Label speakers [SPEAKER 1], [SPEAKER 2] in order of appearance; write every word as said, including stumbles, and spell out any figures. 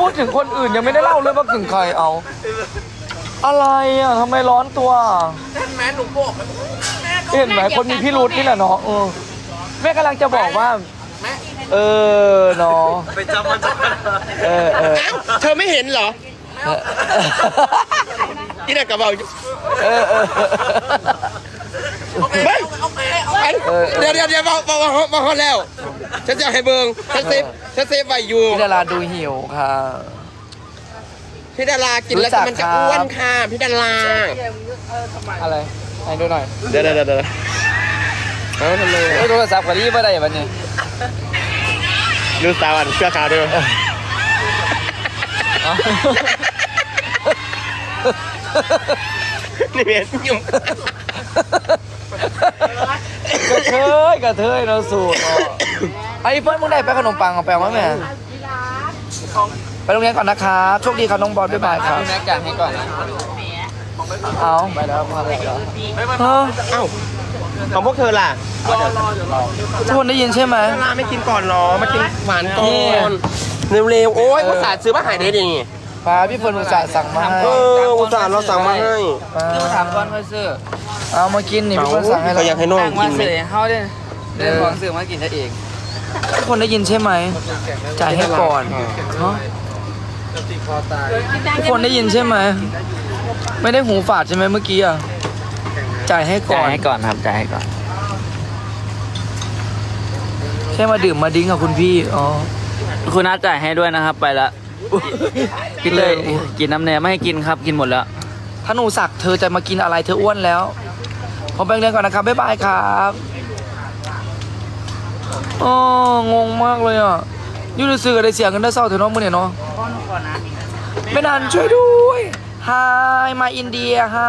[SPEAKER 1] ดถึงคนอื่นยังไม่ได้เล่าเลยว่าถึงใครเอาอะไรอ่ะทำไมร้อนตัวแม่หนูบอกเห็นไหมคนมีพี่รุธนี่แหละเนาะเออแม่กำลังจะบอกว่าเออเนาะไปจำมันเออเออ
[SPEAKER 2] เธอไม่เห็นเหรอที่ไหนกระเป๋า
[SPEAKER 1] เออเออ
[SPEAKER 2] เดี๋ยวเดี๋ยวเดี๋ยวมามามาฮอตแล้วฉันจะให้เบิงฉันเซฟฉันเซฟไว้อยู่
[SPEAKER 1] พี่ดาราดูหิวค่ะ
[SPEAKER 2] พี่ดารากินแล้วมันจะอ้วนค่ะพี่ดารา
[SPEAKER 1] อะไรให้ดูหน่อย
[SPEAKER 2] เดี๋ยวเดี๋ยวเดี๋ยวเอาทำไม
[SPEAKER 1] โทรศัพท์กับรีบไม่ได้วันนี้
[SPEAKER 2] ดูสาวันเสื้อขาวด้วยนี่เมียยุ่ง
[SPEAKER 1] กระเทยกระเทยเราสูตรไอ้เพื่อนมึงได้ไปขนมปังเอาไปมั้ยแม่ไปโรงเรียนก่อนนะครับโชคดีครับน้องบอลบ๊ายบายครับแม็กจ่ายให้ก่อนเอาไปแล้วมาเลยเหรอเอ้า
[SPEAKER 2] ของพวกเธอล่ะ
[SPEAKER 1] ทุกคนได้ยินใช่ไหม
[SPEAKER 2] ดาราไม่กินก่อนหรอมากินหวานก่อนเร็วๆโอ้ยอุตส่าห์ซื้อมาให้ได้ดิ
[SPEAKER 1] ป้าพี่เฟิร์นอุตส่าห์สั่งมาให้
[SPEAKER 2] เอออุตส่าห์เราสั่งมาให้
[SPEAKER 1] คือมาถามก่อนว่าซื้อเอามากินนี่พี่เฟิร์นสั่งให้เรา
[SPEAKER 2] อยากให้น้องกินไหม
[SPEAKER 1] เขาเดินเดินของซื้อมากินได้เองทุกคนได้ยินใช่ไหมจ่ายให้ก่อนเนาะทุกคนได้ยินใช่ไหมไม่ได้หูฝาดใช่ไหมเมื่อกี้อ่ะจ่ายให้ก่อนจ่ายให้ก่อนครับจ่ายให้ก่อนแค่มาดื่มมาดิ้งกับคุณพี่อ๋อ
[SPEAKER 3] คุณน้าจ่ายให้ด้วยนะครับไปละกินเลยกินน้ำแหนมไม่ให้กินครับกินหมดแล้ว
[SPEAKER 1] ถ้าหนูสักเธอจะมากินอะไรเธออ้วนแล้วผมไปเรียนก่อนนะครับบ๊ายบายครับอ๋องงมากเลยอ่ะยูรู้สึกอะไรเสียงกันได้เศร้าเถอะน้องมึงเนี่ยเนาะไม่นานช่วยด้วย Hi มาอินเดียฮะ